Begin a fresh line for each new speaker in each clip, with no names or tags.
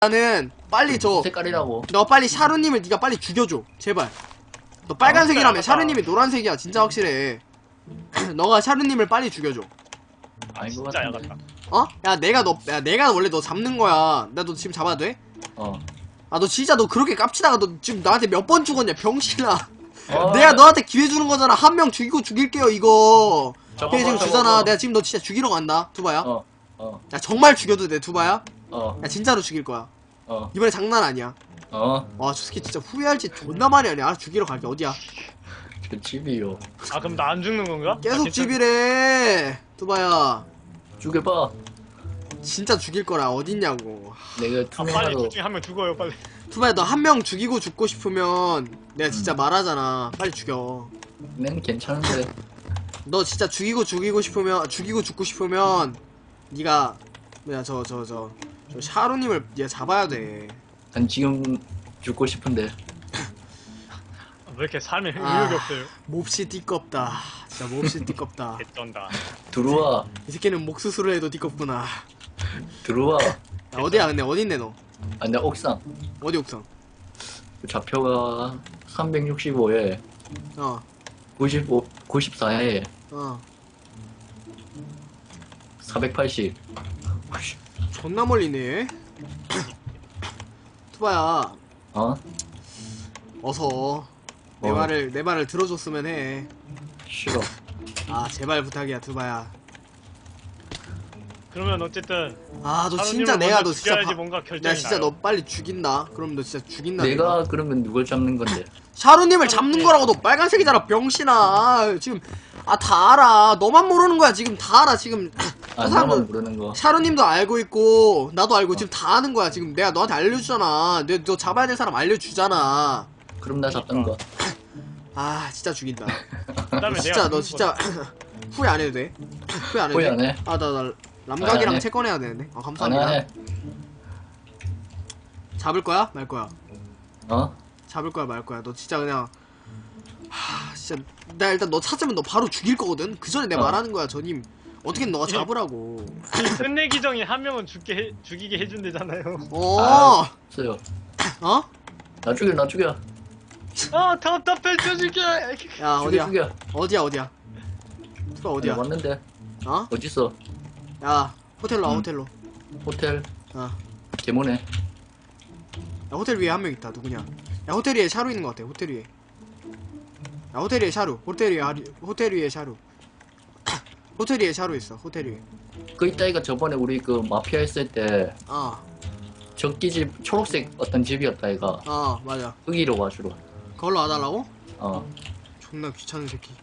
나는 빨리
색깔이라고.
너 빨리 샤루님을 네가 빨리 죽여줘 제발. 너 빨간색이라며. 샤루님이 노란색이야 진짜 확실해. 너가 샤루님을 빨리 죽여줘.
아닌 것
진짜
같은데.
야같다.
어? 내가 원래 너 잡는 거야. 나 너 지금 잡아도 돼? 아 너 진짜 너 그렇게 깝치다가 너 지금 나한테 몇 번 죽었냐 병신아. 내가 너한테 기회 주는 거잖아. 한 명 죽이고 죽일게요 이거. 걔 지금 주잖아. 내가 지금 너 진짜 죽이러 간다 두바야. 야 정말 죽여도 돼 두바야? 야 진짜로 죽일 거야. 이번에 장난 아니야. 와 저 새끼 진짜 후회할지 존나 많이 하네. 알아서 죽이러 갈게. 어디야?
저 집이요.
아 그럼 나 안 죽는 건가?
계속 집이래 두바야.
죽여봐.
진짜 죽일 거라. 어딨냐고.
내가
빨리
투명하로.
둘 중에 한 명 죽어요 빨리.
두바야 너 한 명 죽이고 죽고 싶으면 내가 진짜 말하잖아. 빨리 죽여.
난 괜찮은데.
너 진짜 죽이고 싶으면 죽이고 죽고 싶으면 네가 뭐야 저 샤루님을 네가 잡아야 돼.
난 지금 죽고 싶은데.
왜 이렇게 삶에 의욕이 없어요?
몹시 띠껍다. 진짜 몹시 띠껍다.
개쩐다.
들어와.
이 새끼는 목 수술을 해도 띠껍구나.
들어와.
야, 어디야 근데 어딨네 너?
아, 내 옥상.
어디 옥상?
좌표가 365에 94에 480.
존나 멀리네. 투바야 어서 내 말을 들어줬으면 해.
싫어.
아 제발 부탁이야 투바야.
그러면 어쨌든
아 너 진짜 내가 너 진짜
뭔가 결정이
나 진짜
나요.
너 빨리 죽인다. 그럼 너 진짜 죽인다.
내가 그러면 누굴 잡는 건데?
샤루님을 잡는 거라고. 너 빨간색이잖아 병신아. 지금 다 알아. 너만 모르는 거야 지금. 다 알아 지금.
나만 모르는 거.
샤루님도 알고 있고 나도 알고 지금 다 아는 거야 지금. 내가 너한테 알려주잖아. 너 잡아야 될 사람 알려주잖아.
그럼 나 잡던 거.
아 진짜 죽인다.
그다음에
진짜
내가
너 진짜 후회 안 해도 돼? 후회 안 해도
후회
돼?
안 해.
아 나 람각이랑
안 해.
채권해야 되는데. 아
안
감사합니다.
해.
잡을 거야? 말 거야? 잡을 거야 말 거야? 너 진짜 그냥 진짜 나 일단 너 찾으면 너 바로 죽일 거거든. 그 전에 내가 말하는 거야 전임. 어떻게든 너가 잡으라고.
끝내기 전에 한 명은 죽이게 해준대잖아요.
없어요.
어?
나 죽여.
아 답답해 죽이게.
야 어디야?
죽여.
어디야? 투바 어디야?
왔는데.
어?
어딨어?
야 호텔로 와 호텔로.
호텔.
야
개모네.
호텔 위에 한 명 있다. 누구냐? 야 호텔 위에 샤루 있는 거 같아. 호텔 위에. 야 호텔 위에 샤루. 호텔 위에 샤루. 호텔 위에 샤루 있어. 호텔 위에.
그 이따이가 저번에 우리 그 마피아 했을 때 적기집 초록색 어떤 집이었다 이가.
맞아.
거기로 와주러.
그걸로 와달라고?
어.
존나 귀찮은 새끼.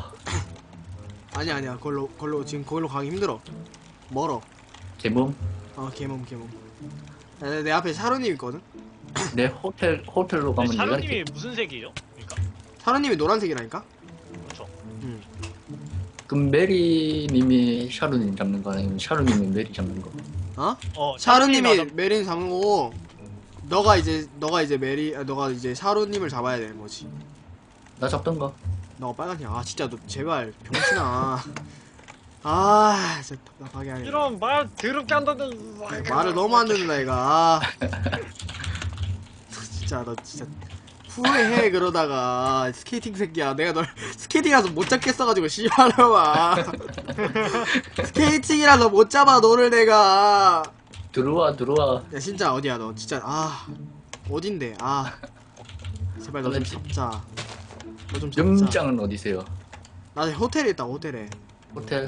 아니야 그걸로 지금 거기로 가기 힘들어. 멀어.
개몸?
개몸. 야, 내 앞에 샤루님 있거든?
내 호텔로 가면 내가
샤루님이 무슨 색이에요? 그러니까
샤루님이 노란색이라니까?
그렇죠.
그럼 메리님이 샤루님 잡는 거 아니면 샤루님이 메리 잡는 거?
샤루님이 메린 잡는 거고 너가 이제 너가 이제 샤루님을 잡아야 되는 거지.
나 잡던 거.
너가 빨간색. 진짜 너 제발 병신아. 진짜 답답하게 하네.
이런 말 더럽게 한다는
말을 너무 안 듣는다 얘가. 너 진짜 후회해 그러다가. 스케이팅 새끼야. 내가 널 스케이팅이라서 못 잡겠어가지고 씨발놈아. 스케이팅이라서 못 잡아 너를 내가.
들어와.
야 진짜 어디야 너 진짜. 어딘데. 제발 너 좀 잡자. 너 좀 잡자.
염장은 어디세요?
나 호텔에 있다. 호텔에.
호텔?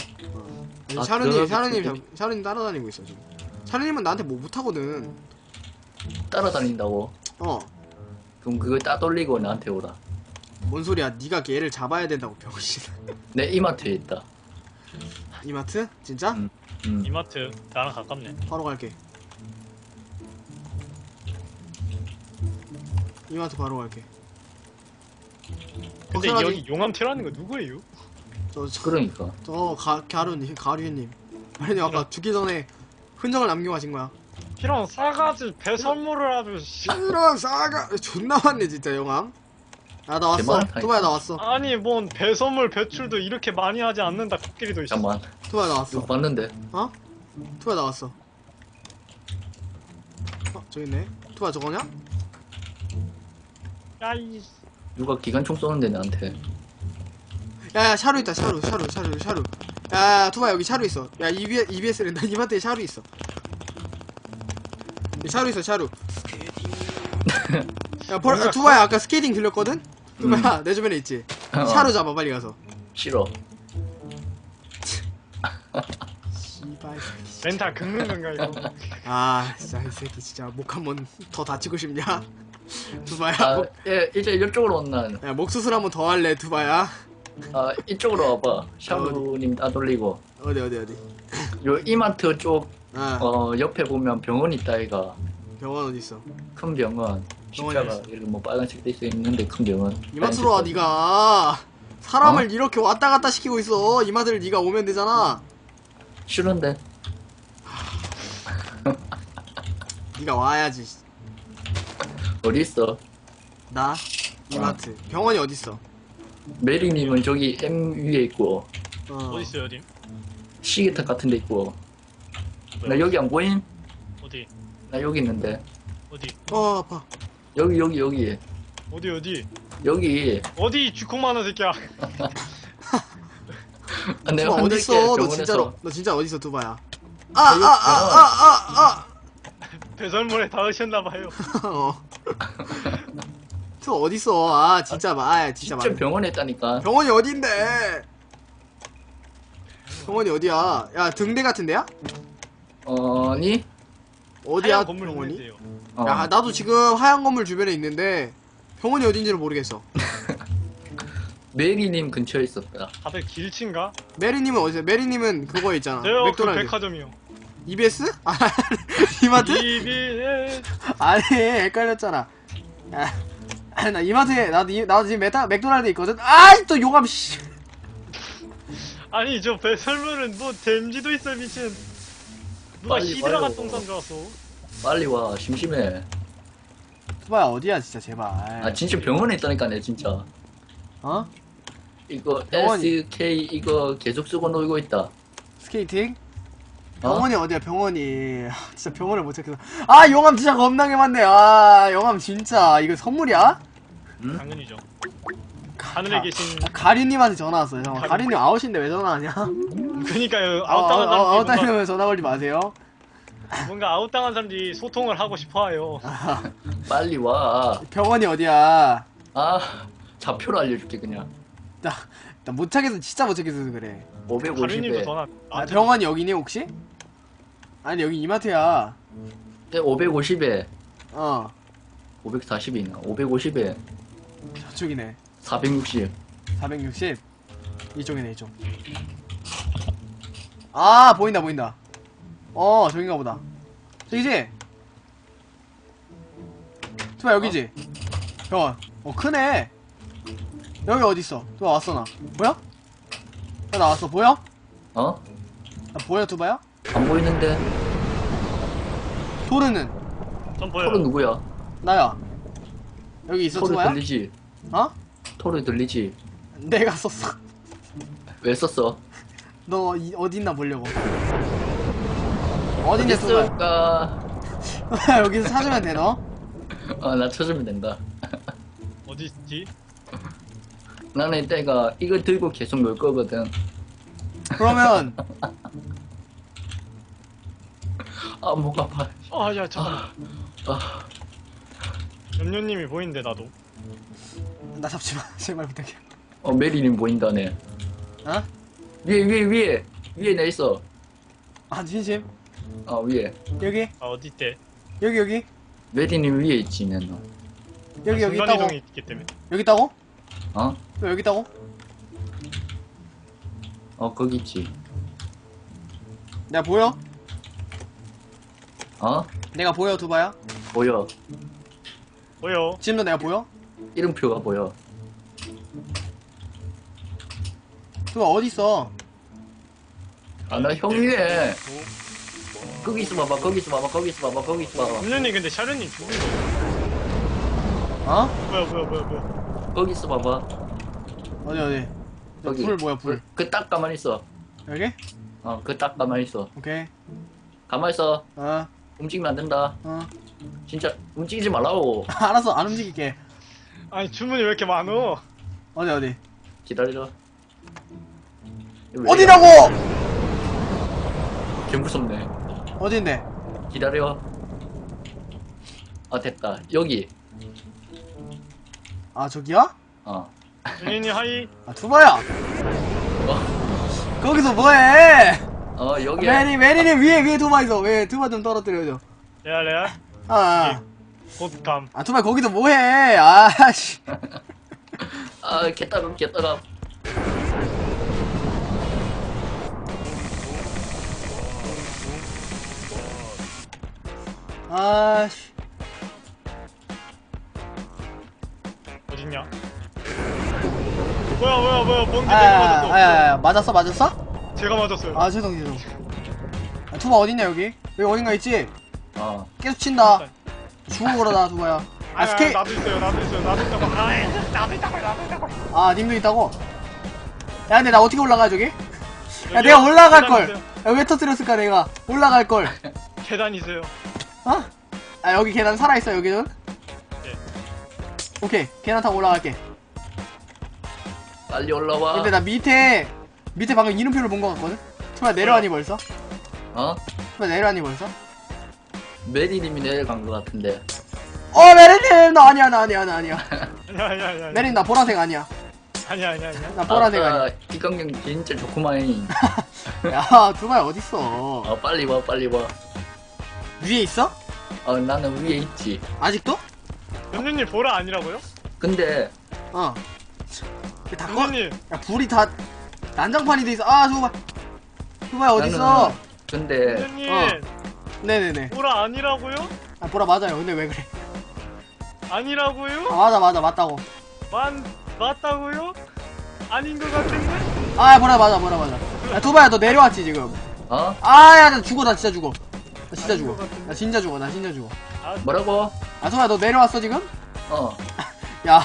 샤루님 따라다니고 있어 지금. 샤루님은 나한테 뭐 못하거든.
따라다닌다고? 그럼 그걸 따돌리고 나한테 오라.
뭔 소리야. 네가 걔를 잡아야 된다고 병신.
내 이마트에 있다.
이마트? 진짜?
이마트 나랑 가깝네.
바로 갈게. 이마트 바로 갈게.
근데 여기 용암 티라는 거 누구예요?
그러니까.
가류님. 아니 아까 죽기 전에 흔적을 남기고 가신 거야.
이런 싸가지 배선물을 아주.
이런 싸가 존나 많네 진짜 용암. 나 왔어. 투바야 나 왔어.
아니 뭔 배선물 배출도 이렇게 많이 하지 않는다. 코끼리도 있어.
잠깐만.
투바야 나 왔어.
이거 봤는데.
투바야 나 왔어. 저기 있네. 투바 저거냐?
야이.
누가 기관총 쏘는데 나한테.
야야 샤루 있다. 샤루. 야 투바 여기 샤루 있어. 야 EBS랜다. 님한테 샤루 있어. 샤루 있어 샤루. 야 투바야 아까 스케이팅 들렸거든? 투바야 내 주변에 있지? 샤루 잡아 빨리 가서.
싫어.
씨발 새끼.
멘탈 긁는 건가 이거?
아 진짜 이 새끼 진짜 목 한 번 더 다치고 싶냐? 투바야
아, 예, 이제 이쪽으로 온나.
야, 목 수술 한 번 더 할래 투바야?
아, 이쪽으로 와봐. 샤브님 따돌리고.
어디
요 이마트 쪽,
아
옆에 보면 병원 있다, 이가.
병원 어디 있어?
큰 병원. 십자가,
있어.
이렇게 뭐 빨간색 돼 있는데 큰 병원.
이마트로 와 니가 사람을 이렇게 왔다 갔다 시키고 있어. 이마트를 니가 오면 되잖아.
싫은데?
니가 와야지.
어디 있어?
나 이마트 병원이 어디 있어?
메리님은 저기 M 위에 있고,
어디 있어요, 님?
시계탑 같은 데 있고. 나
뭐야?
여기 안 보임?
어디?
나 여기 있는데.
어디?
아파.
여기.
어디?
여기.
쥐콩만한 새끼야.
아, 내가
투바 어디
흔들게,
있어? 너
병원에서.
진짜로 너 진짜 어디 있어 투바야?
배설물에 닿으셨나봐요.
투바 어디 있어? 아 진짜 진짜
진짜
말.
병원에 있다니까.
병원이 어딘데? 병원이 어디야? 야 등대 같은 데야?
아니?
어디야
하얀 건물
병원이?
있는데요.
야 나도 지금 하얀 건물 주변에 있는데 병원이 어딘지를 모르겠어.
메리님 근처에 있었다.
다들 길친가?
메리님은 어디서? 메리님은 그거 있잖아.
저요 그
맥도날드.
백화점이요.
EBS? 아 이마트?
EBS.
아니 헷갈렸잖아. 나 이마트에 나도 지금 맥도날드 있거든. 아이 또 용암 씨.
아니 저 배설물은 뭐 댐지도 있어 미친. 누가
빨리
히드라가
와요.
똥싼 줄 알았어.
빨리 와. 심심해.
투바야 어디야 진짜 제발.
아 진짜 병원에 있다니까 내 진짜.
어?
이거
병원이-
SK 이거 계속 쓰고 놀고 있다.
스케이팅?
어?
병원이 어디야 병원이. 진짜 병원을 못 찾겠어. 아 용암 진짜 겁나게 많네. 아 용암 진짜 이거 선물이야?
응?
당연히죠. 하늘에 계신
가리님한테 전화 왔어요. 형.
가리-
가리님 아웃인데 왜 전화하냐?
그니까요 아웃당한 사람들이
아웃당하면 전화 걸지 마세요.
뭔가 아웃당한 사람들이 소통을 하고 싶어해요.
빨리 와.
병원이 어디야?
아 좌표로 알려줄게 그냥.
나 못 찾겠어. 진짜 못 찾겠어서 그래.
가루님도
550에.
전화.
병원이 여기니 혹시? 아니 여기 이마트야.
550에.
어
540이 있나? 550에.
저쪽이네.
460.
460 이쪽이네 이쪽. 아 보인다. 저긴가 보다. 저기지? 투바 여기지? 병원. 크네. 여기 어딨어? 투바 왔어 나. 보여? 나 나왔어. 보여?
어?
나 보여 투바야?
안 보이는데.
토르는?
전 보여요.
토르 누구야?
나야. 여기 있어
토르
투바야?
들리지?
어?
토르 들리지?
내가 썼어.
왜 썼어?
너 어디 있나 보려고. 어딨냐 투바야?
있을까?
여기서 찾으면 돼 너?
나 찾으면 된다.
어디 있지?
나는 이때가 이거 들고 계속 놀 거거든.
그러면
아, 목 아파.
아야 잠깐만.
아,
염료님이 보이는데 나도.
나 잡지마. 제발 부탁해.
메리님 보인다네.
어?
위에 내 있어.
아 진심?
위에.
여기?
아 어디 있대?
여기?
메리님 위에 있지, 내 너.
여기
순간
있다고?
이동이 있기 때문에.
여기 있다고?
어?
왜 여기 있다고?
거기 있지.
내가 보여?
어?
내가 보여 두바야?
보여.
보여.
지금도 내가 보여?
이름표가 보여.
두바 어디 있어?
나 형 위에. 거기 있어 봐봐, 거기 있어 봐봐.
염료님 근데 샤르님 죽은 거.
어?
뭐야.
거기 있어 봐봐.
어디?
거기.
불 뭐야 불?
그 딱 가만히 있어.
여기?
그 딱 가만히 있어.
오케이.
가만히 있어.
어.
움직이면 안 된다.
어.
진짜 움직이지 말라고.
알았어, 안 움직일게.
아니 주문이 왜 이렇게 많어?
어디?
기다려. 왜
어디라고?
개 무섭네.
어딘데?
기다려. 아 됐다. 여기.
아, 저기야?
어.
준현이 하이.
아, 두바야. 거기서 뭐해?
여기.
메리는 위에 두바 있어. 왜 두바 좀 떨어뜨려줘.
레알.
아,
곧감.
아, 두바 거기서 뭐해? 아씨.
개따갑.
아씨.
어딨냐? 뭐야 멍게 내가 맞았어.
맞았어?
제가 맞았어요.
아, 죄송. 아, 두바 어딨냐, 여기 어딘가 있지?
어.
계속 친다. 죽어 그러다, 두바야. 아, 스케이.
나도 있어요. 나도 있다고. 나도 있다고.
아, 님도 있다고? 야, 근데 나 어떻게 올라가, 저기? 야,
여기요?
내가 올라갈걸.
계단 있어요.
야, 왜 터뜨렸을까, 내가. 올라갈걸.
계단 있어요.
어? 아, 여기 계단 살아있어, 여기는?
예.
오케이, 계단 타고 올라갈게.
빨리 올라와.
근데 나 밑에 방금 이름표를 본 것 같거든? 투마 내려가니 벌써?
어?
투마 내려가니 벌써?
메리님이 내려간 것 같은데.
메리님! 나 아니야.
아니야.
메리님, 나 보라색 아니야.
아니야.
나 보라색 아니야.
이광경 진짜 좋구만.
야, 두바야, 어딨어?
빨리 와.
위에 있어?
나는 위에 있지.
아직도?
연준님 보라 아니라고요?
근데
어. 다 꺼?
연준님
야, 불이 다 난장판이 돼 있어. 아, 두바야, 어딨어?
나는 근데
연준님
네네네.
보라 아니라고요?
아, 보라 맞아요. 근데 왜 그래?
아니라고요?
아, 맞다고.
맞다고요? 아닌 것 같은데?
아, 보라 맞아. 야, 두바야, 너 내려왔지, 지금? 야, 나 죽어. 나 진짜 죽어. 나 진짜 죽어.
아,
뭐라고?
아, 두바야, 너 내려왔어, 지금?
어.
야.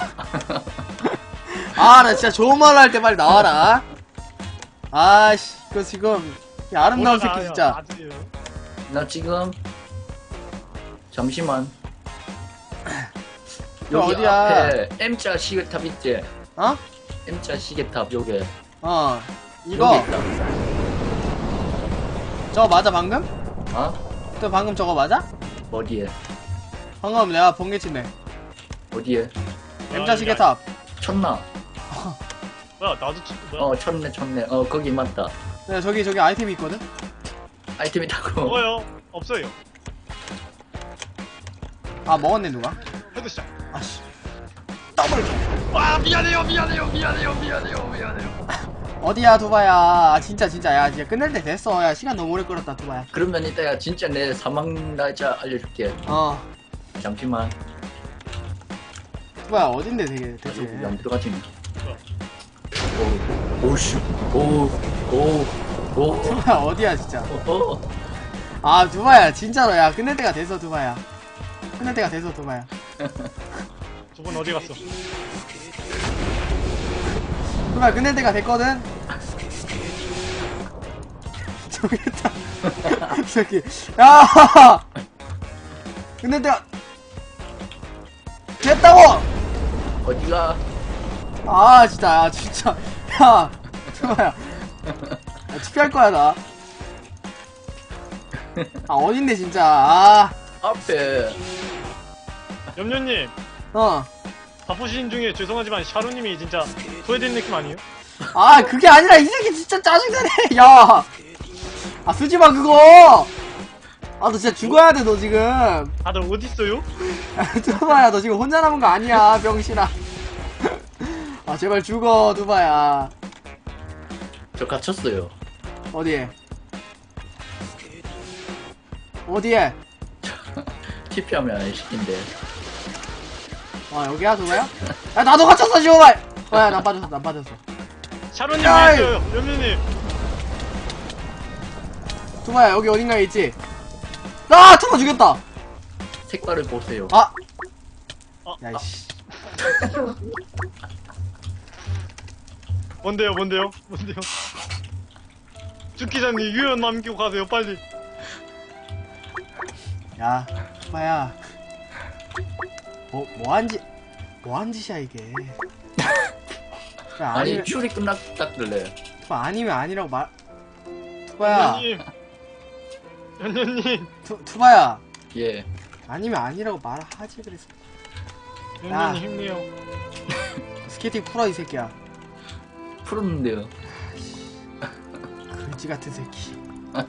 아, 나 진짜 좋은 말 할 때 빨리 나와라. 아씨, 그 지금 야, 아름다운 새끼 진짜.
맞아요.
나 지금 잠시만.
저
여기
어디야?
앞에 M자 시계탑 있지?
어?
M자 시계탑 요게.
이거
여기 있다.
저거 맞아 방금?
어?
또 방금 저거 맞아?
어디에?
방금 내가 번개치네.
어디에?
M자 시계탑.
쳤나?
뭐야 나도 뭐야?
쳤네. 거기 맞다.
네, 저기 아이템이 있거든?
아이템이 타고.
먹어요. 없어요.
아, 먹었네 누가?
헤드샷.
아씨. 더블.
와 미안해요.
어디야 두바야? 아, 진짜 야, 진짜 끝낼 때 됐어. 야, 시간 너무 오래 끌었다 두바야.
그러면 이따가 진짜 내 사망 날짜 알려줄게. 잠시만.
두바야 어딘데 되게 대체?
여기 안 들어가지. 오씨. 오.
두바야 어디야 진짜? 아, 두바야 진짜로. 야, 끝낼 때가 됐어 두바야.
저분 어디 갔어?
두바야 끝낼 때가 됐거든. 저기 있다. 저기. 야. 끝낼 때가 됐다고.
어디가?
아, 진짜. 야, 두바야. 투표할 거야 나. 아, 어딘데 진짜.
앞에.
염려님 바쁘신 중에 죄송하지만 샤루님이 진짜 소외된 느낌 아니에요?
아, 그게 아니라 이 새끼 진짜 짜증나네. 야. 아, 쓰지마 그거. 아, 너 진짜 죽어야 돼 너 지금.
다들 어딨어요?
두바야, 너 지금 혼자 남은 거 아니야 병신아. 아, 제발 죽어 두바야.
저 갇혔어요.
어디에?
TP하면 안 시킨대.
여기야 두바야? 야, 나도 갇혔어 지금. 야, 난 빠졌어.
샤루님
야,
위에 있어요. 염려님.
두바야, 여기 어딘가에 있지? 두바 죽였다.
색깔을 보세요.
야, 이씨.
뭔데요? 죽기자님 유연 남기고 가세요 빨리.
야, 두바야. 뭐한 짓이야 이게.
아니 퓨리 끝났다길래.
투바 아니면 아니라고 말. 투바야.
연년님.
투바야.
예.
아니면 아니라고 말하지 그랬어.
연년님 힘내요.
스케이팅 풀어 이 새끼야.
풀었는데요.
그지 같은 새끼.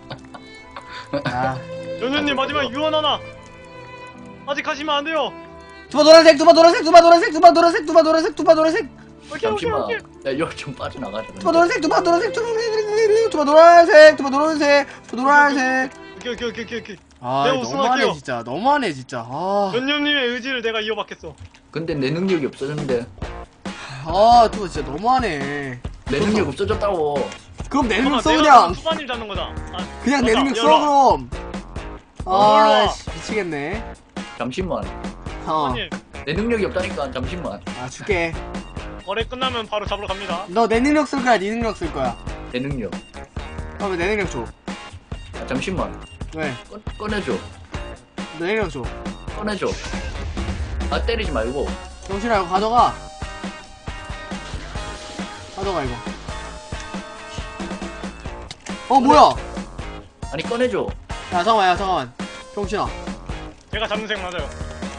아.
연년님 마지막 유언 하나. 아직 하시면 안 돼요.
투바 노란색, 투바 노란색, 투바 노란색, 투바 노란색, 투바 노란색, 투바 노란색.
잠시만. 야, 이거 좀 빠져나가자.
투바 노란색, 투바 노란색, 투바 노란색, 투바 노란색, 투바 노란색, 투바 노란색.
오케이.
아,
내가
너무하네
우승할게요.
진짜. 너무하네 진짜. 아,
연년님의 의지를 내가 이어받겠어.
근데 내 능력이 없어졌는데.
아, 투바 진짜 너무하네.
내 능력 없어졌다고.
그럼 내 능력 써
내가
그냥.
투바님 잡는 거다.
그냥 내
맞아,
능력 써
열어.
그럼.
열어.
아, 씨, 미치겠네.
잠시만.
투바님
내 능력이 없다니까. 잠시만.
아, 줄게.
거래 끝나면 바로 잡으러 갑니다.
너 내 능력 쓸 거야, 네 능력 쓸 거야.
내 능력.
그러면 내 능력 줘.
잠시만.
왜?
꺼내줘.
내 능력 줘.
꺼내줘. 아 때리지 말고.
정신아 이거 가져가. 가져가 이거. 뭐야?
아니 꺼내줘.
야 잠깐만. 정신아.
제가 잡는 색 맞아요.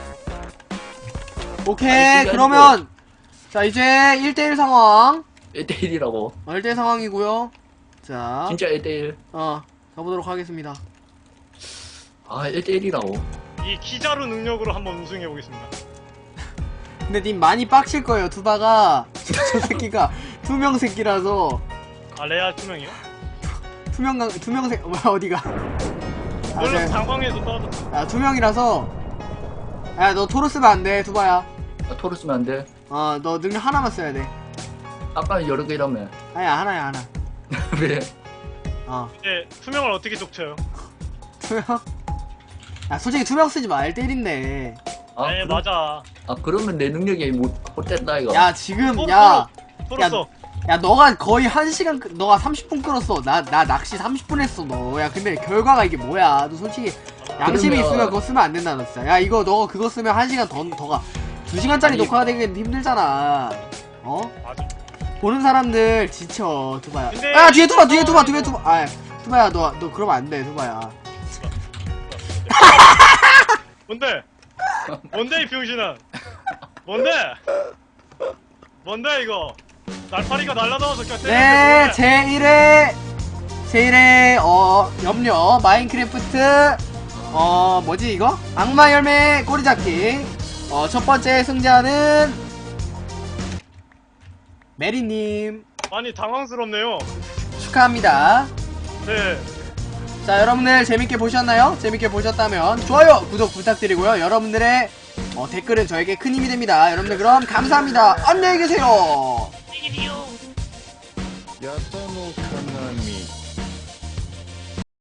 오케이
아니, 그게
그러면 자 이제 1대1 상황.
1대1이라고.
1대1 상황이고요. 자
진짜 1대1.
가보도록 하겠습니다.
아 1대1이라고.
이 기자루 능력으로 한번 우승해 보겠습니다.
근데 님 많이 빡칠 거예요. 투바가 저 새끼가 투명 새끼라서.
아 레알 투명이요?
투명 새 뭐야 어디가?
물론 방광에서 떨어졌어.
투명이라서. 야 너 토르 쓰면 안 돼 투바야.
아, 토르 쓰면 안 돼.
너 능력 하나만 써야 돼.
아까는 여러 개라며.
아니야 하나야 하나.
왜?
이제 투명을 어떻게 족쳐요?
투명? 야 솔직히 투명 쓰지 마. 1대1인데.
아,
네 맞아.
아 그러면 내 능력이 못됐다 이거.
야 지금
토르
야
써.
야 너가 거의 1시간 너가 30분 끌었어. 나 낚시 30분 했어 너. 야 근데 결과가 이게 뭐야. 너 솔직히 양심이
그러면-
있으면 그거 쓰면 안 된다 너 진짜. 야 이거 너 그거 쓰면 1시간 더가 2시간짜리
아니-
녹화가 되긴 힘들잖아.
맞아.
보는 사람들 지쳐 투바야.
근데
야 뒤에 투바 뒤에 투바
이거-
뒤에 투바. 아 투바야 너 그러면 안 돼 투바야.
뭔데? 뭔데 이 병신아? 뭔데? 뭔데 이거? 날파리가 날라다와서 그냥
네
때리는데
제1회 염려 마인크래프트 뭐지 이거? 악마 열매 꼬리잡기. 첫 번째 승자는 메리님
많이 당황스럽네요.
축하합니다.
네.
자 여러분들 재밌게 보셨나요? 재밌게 보셨다면 좋아요 구독 부탁드리고요. 여러분들의 댓글은 저에게 큰 힘이 됩니다. 여러분들 그럼 감사합니다. 안녕히 계세요.
やたのかなみ